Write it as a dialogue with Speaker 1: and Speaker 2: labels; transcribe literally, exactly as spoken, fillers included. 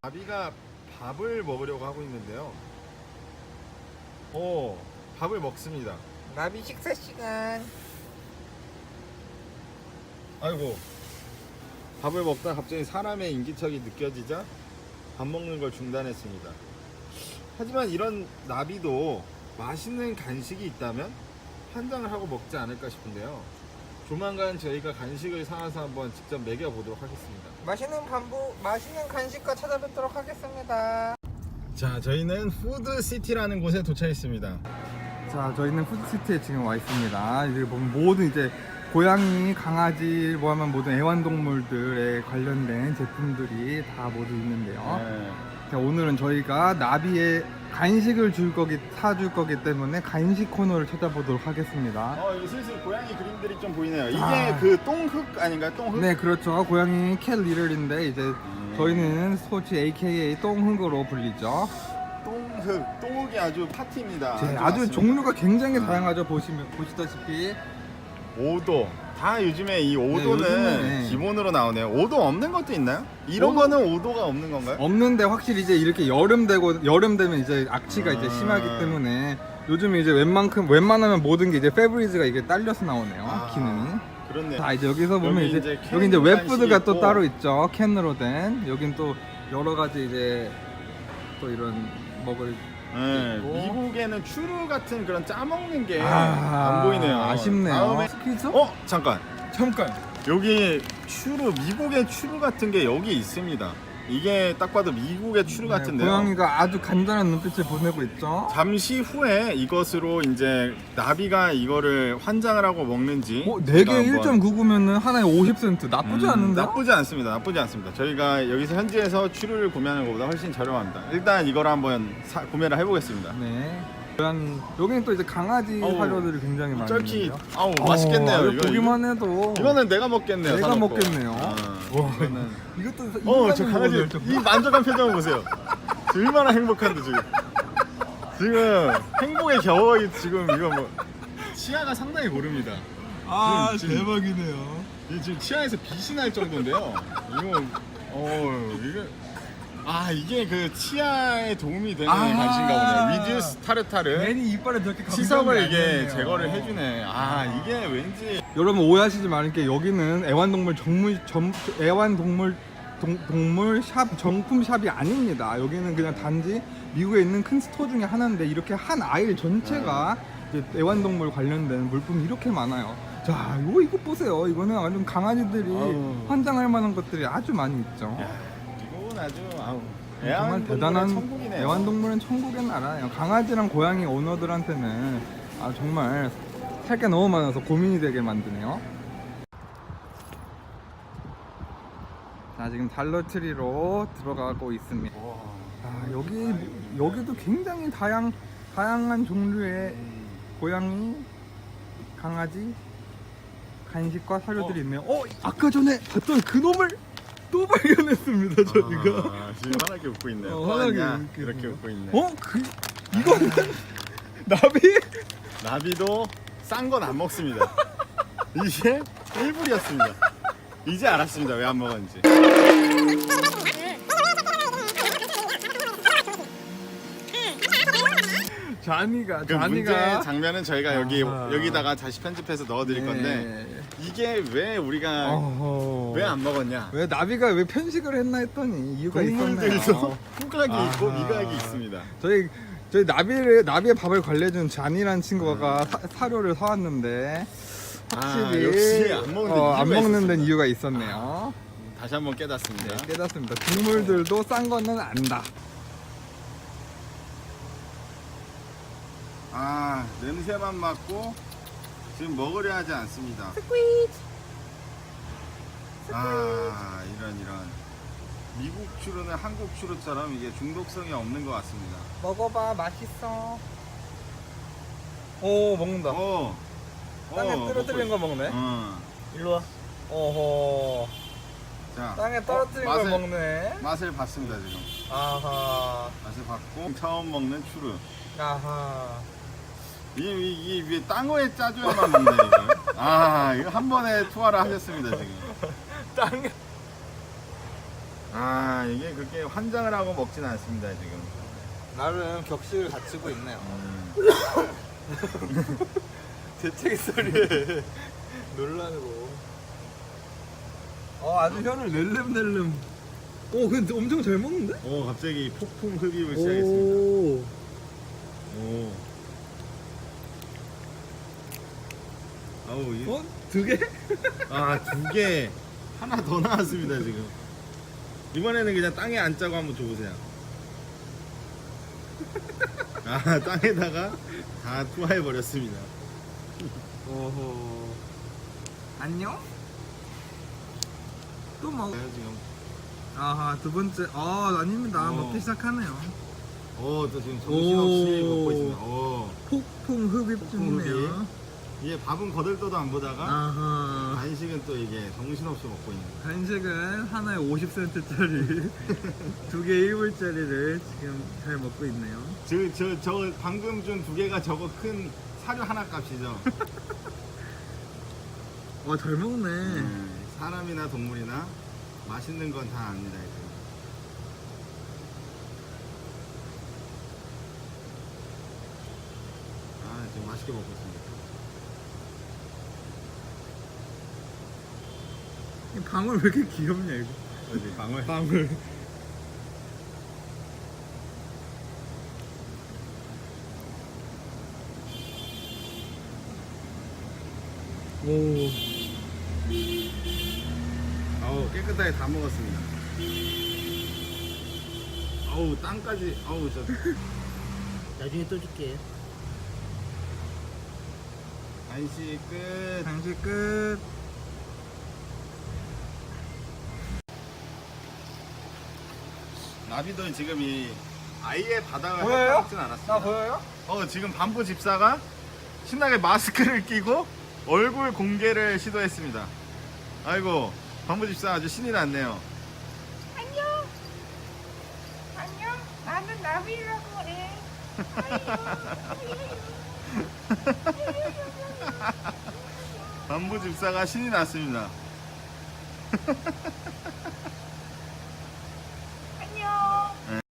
Speaker 1: 나비가 밥을 먹으려고 하고 있는데요. 오, 밥을 먹습니다.
Speaker 2: 나비 식사 시간.
Speaker 1: 아이고, 밥을 먹다 갑자기 사람의 인기척이 느껴지자 밥 먹는 걸 중단했습니다. 하지만 이런 나비도 맛있는 간식이 있다면 환장을 하고 먹지 않을까 싶은데요. 조만간 저희가 간식을 사와서 한번 직접 먹여보도록 하겠습니다.
Speaker 2: 맛있는 반부, 맛있는 간식과 찾아뵙도록 하겠습니다.
Speaker 1: 자, 저희는 푸드시티라는 곳에 도착했습니다.
Speaker 3: 자, 저희는 푸드시티에 지금 와 있습니다. 이제 보면 모든 이제 고양이, 강아지, 뭐 하면 모든 애완동물들에 관련된 제품들이 다 모두 있는데요.
Speaker 1: 네.
Speaker 3: 자, 오늘은 저희가 나비의 간식을 줄 거기, 사줄 거기 때문에 간식 코너를 찾아보도록 하겠습니다.
Speaker 1: 어, 이제 슬슬 고양이 그림들이 좀 보이네요. 이게
Speaker 3: 아.
Speaker 1: 그 똥흙 아닌가요? 똥흙?
Speaker 3: 네, 그렇죠. 고양이 캣 리를인데 이제
Speaker 1: 음.
Speaker 3: 저희는 스포츠 에이케이에이 똥흙으로 불리죠.
Speaker 1: 똥흙, 똥흙이 아주 파티입니다.
Speaker 3: 네, 아주
Speaker 1: 맞습니다.
Speaker 3: 종류가 굉장히 다양하죠. 보시면 보시다시피.
Speaker 1: 오도. 다 요즘에 이 오도는
Speaker 3: 요즘에.
Speaker 1: 기본으로 나오네요. 오도 없는 것도 있나요? 이런
Speaker 3: 오도-
Speaker 1: 거는 오도가 없는 건가요?
Speaker 3: 없는데 확실히 이제 이렇게 여름 되고 여름 되면 이제 악취가
Speaker 1: 아.
Speaker 3: 이제 심하기 때문에 요즘에 이제 웬만큼 웬만하면 모든 게 이제 페브리즈가 이게 딸려서 나오네요.
Speaker 1: 아.
Speaker 3: 기능이.
Speaker 1: 그렇네.
Speaker 3: 자, 이제 여기서 보면
Speaker 1: 여기
Speaker 3: 이제,
Speaker 1: 이제 캔
Speaker 3: 여기 이제 웹푸드가
Speaker 1: 간식이
Speaker 3: 또
Speaker 1: 있고.
Speaker 3: 따로 있죠. 캔으로 된. 여긴 또 여러 가지 이제 또 이런 먹을
Speaker 1: 네,
Speaker 3: 있고.
Speaker 1: 미국에는 추루 같은 그런 짜먹는 게 안
Speaker 3: 아,
Speaker 1: 보이네요.
Speaker 3: 아쉽네요.
Speaker 1: 다음에
Speaker 3: 스퀴즈?
Speaker 1: 어 잠깐
Speaker 3: 잠깐.
Speaker 1: 여기 추루 미국의 추루 같은 게 여기 있습니다. 이게 딱 봐도 미국의 추루
Speaker 3: 네,
Speaker 1: 같은데요.
Speaker 3: 고양이가 아주 간단한 눈빛을 보내고 있죠.
Speaker 1: 잠시 후에 이것으로 이제 나비가 이거를 환장을 하고 먹는지
Speaker 3: 어, 네
Speaker 1: 제가
Speaker 3: 개
Speaker 1: 한번-
Speaker 3: 일 점 구구면은 하나에 오십 센트. 나쁘지
Speaker 1: 음,
Speaker 3: 않은데?
Speaker 1: 나쁘지 않습니다. 나쁘지 않습니다. 저희가 여기서 현지에서 추루를 구매하는 것보다 훨씬 저렴합니다. 일단 이걸 한번 사, 구매를 해보겠습니다.
Speaker 3: 네. 고양이, 여기는 또 이제 강아지
Speaker 1: 어우,
Speaker 3: 사료들이 굉장히
Speaker 1: 쩔기,
Speaker 3: 많은데요.
Speaker 1: 아우 맛있겠네요.
Speaker 3: 어,
Speaker 1: 이거
Speaker 3: 보기만 해도
Speaker 1: 이거는 내가 먹겠네요.
Speaker 3: 내가
Speaker 1: 사놓고.
Speaker 3: 먹겠네요.
Speaker 1: 아,
Speaker 3: 와,
Speaker 1: 이거는
Speaker 3: 이것도
Speaker 1: 어, 저
Speaker 3: 인간이
Speaker 1: 강아지
Speaker 3: 먹어도 좀-
Speaker 1: 이 만족한 표정을 보세요. 저 얼마나 행복한데 지금. 지금 행복에 겨워 지금 이거 뭐 치아가 상당히 고릅니다.
Speaker 3: 아,
Speaker 1: 지금- 지금-
Speaker 3: 대박이네요.
Speaker 1: 이 지금 치아에서 빛이 날 정도인데요. 이거 어 이게 아 이게 그 치아에 도움이 되는
Speaker 3: 아.
Speaker 1: 간식인가 보네요. 리듀스 타르타르.
Speaker 3: 괜히 이빨에 저렇게
Speaker 1: 치석을
Speaker 3: 감정이
Speaker 1: 이게
Speaker 3: 아니었네요.
Speaker 1: 제거를 해주네. 아 이게 왠지
Speaker 3: 여러분 오해하시지 말게 여기는 애완동물 정물 점 애완동물 동, 동물 샵 정품 샵이 아닙니다. 여기는 그냥 단지 미국에 있는 큰 스토어 중에 하나인데 이렇게 한 아일 전체가 이제 애완동물 관련된 물품이 이렇게 많아요. 자, 이거 이거 보세요. 이거는 완전 강아지들이
Speaker 1: 아우.
Speaker 3: 환장할 만한 것들이 아주 많이 있죠.
Speaker 1: 야, 이건 아주 아우
Speaker 3: 정말
Speaker 1: 애완동물의
Speaker 3: 대단한
Speaker 1: 천국이네요.
Speaker 3: 애완동물은 천국의 나라예요. 강아지랑 고양이 오너들한테는 아, 정말 살 게 너무 많아서 고민이 되게 만드네요. 자, 지금 달러트리로 들어가고 있습니다. 아, 여기 여기도 굉장히 다양 다양한 종류의 고양이, 강아지, 간식과 사료들이
Speaker 1: 어.
Speaker 3: 있네요. 어, 아까 전에 봤던 그 놈을 또 발견했습니다, 저희가.
Speaker 1: 아, 지금 환하게 웃고 있네요.
Speaker 3: 어,
Speaker 1: 또
Speaker 3: 환하게
Speaker 1: 왔냐?
Speaker 3: 웃고
Speaker 1: 이렇게
Speaker 3: 있네요.
Speaker 1: 웃고 있네.
Speaker 3: 어, 그 이거는 나비?
Speaker 1: 나비도 싼 건 안 먹습니다. 이게 일불이었습니다. 이제 알았습니다. 왜 안 먹었는지.
Speaker 3: 자니가
Speaker 1: 그 문제
Speaker 3: 자니가
Speaker 1: 장면은 저희가 여기
Speaker 3: 아하.
Speaker 1: 여기다가 다시 편집해서 넣어드릴 건데
Speaker 3: 네.
Speaker 1: 이게 왜 우리가
Speaker 3: 어허.
Speaker 1: 왜 안 먹었냐?
Speaker 3: 왜 나비가 왜 편식을 했나 했더니 이유가
Speaker 1: 동물들도
Speaker 3: 있었네요.
Speaker 1: 후각이 있고
Speaker 3: 아하.
Speaker 1: 미각이 있습니다.
Speaker 3: 저희 저희 나비를 나비의 밥을 관리해준 잔이라는 친구가 사, 사료를 사왔는데 확실히
Speaker 1: 아, 역시 안 먹는
Speaker 3: 어, 안
Speaker 1: 이유가
Speaker 3: 먹는 데는
Speaker 1: 있었습니다.
Speaker 3: 이유가 있었네요.
Speaker 1: 다시 한번 깨닫습니다.
Speaker 3: 네, 깨닫습니다. 동물들도 싼 거는 안다.
Speaker 1: 아 냄새만 맡고 지금 먹으려 하지 않습니다. 아 이런 이런 미국 추루는 한국 추루처럼 이게 중독성이 없는 것 같습니다.
Speaker 3: 먹어봐, 맛있어. 오, 먹는다.
Speaker 1: 어.
Speaker 3: 땅에
Speaker 1: 어,
Speaker 3: 떨어뜨린
Speaker 1: 먹고
Speaker 3: 거 먹네.
Speaker 1: 있- 어.
Speaker 3: 일로 와. 어허.
Speaker 1: 자,
Speaker 3: 땅에 떨어뜨린
Speaker 1: 어,
Speaker 3: 걸
Speaker 1: 맛을,
Speaker 3: 먹네.
Speaker 1: 맛을 봤습니다 지금.
Speaker 3: 아하.
Speaker 1: 맛을 봤고 처음 먹는 추루.
Speaker 3: 아하.
Speaker 1: 이게 이게 이게 딴 거에 짜줘야만 먹네 이거. 아 이거 한 번에 투하를 하셨습니다 지금.
Speaker 3: 땅에
Speaker 1: 아 이게 그렇게 환장을 하고 먹진 않습니다 지금.
Speaker 2: 나름 격식을 갖추고 있네요.
Speaker 1: 음.
Speaker 2: 재채기 소리에 놀라고. 어 아주 혀를 낼름낼름.
Speaker 3: 오 근데 엄청 잘 먹는데?
Speaker 1: 오 갑자기 폭풍 흡입을 시작했습니다.
Speaker 3: 오.
Speaker 1: 오. 아우 이,
Speaker 3: 어? 두 개?
Speaker 1: 아두 개 하나 더 나왔습니다 지금. 이번에는 그냥 땅에 안 짜고 한번 줘보세요. 아 땅에다가 다 투하해 버렸습니다.
Speaker 2: 오호. 안녕? 또 먹.
Speaker 1: 지금.
Speaker 3: 아하 두 번째. 아 아닙니다.
Speaker 1: 어.
Speaker 3: 먹기 시작하네요.
Speaker 1: 오또 지금 정신없이
Speaker 3: 오.
Speaker 1: 먹고 있습니다. 오.
Speaker 3: 폭풍 흡입
Speaker 1: 폭풍
Speaker 3: 중이네요.
Speaker 1: 이게 밥은 거들떠도 안 보다가
Speaker 3: 아하.
Speaker 1: 간식은 또 이게 정신없이 먹고 있는.
Speaker 3: 간식은 하나에 오십 센트짜리 두 개 일 불짜리를 지금 잘 먹고 있네요.
Speaker 1: 저, 저, 저 방금 준 두 개가 저거 큰 사료 하나 값이죠.
Speaker 3: 와 잘 먹네.
Speaker 1: 음, 사람이나 동물이나 맛있는 건 다 압니다. 이제. 아 지금 맛있게 먹고 있습니다.
Speaker 3: 이 방울 왜 이렇게 귀엽냐 이거.
Speaker 1: 어디 방울?
Speaker 3: 방울. 오.
Speaker 1: 아우 깨끗하게 다 먹었습니다. 아우 땅까지 아우 저
Speaker 2: 나중에 또 줄게.
Speaker 1: 간식 끝.
Speaker 3: 간식 끝.
Speaker 1: 나비도 지금 이 아예 바닥을
Speaker 2: 보여요?
Speaker 1: 핥아먹진 않았습니다.
Speaker 2: 나 보여요?
Speaker 1: 어 지금 반부 집사가 신나게 마스크를 끼고 얼굴 공개를 시도했습니다. 아이고 반부 집사 아주 신이 났네요.
Speaker 4: 안녕. 안녕. 나는 나비라고 그래.
Speaker 1: 반부 집사가 신이 났습니다.
Speaker 4: 안녕.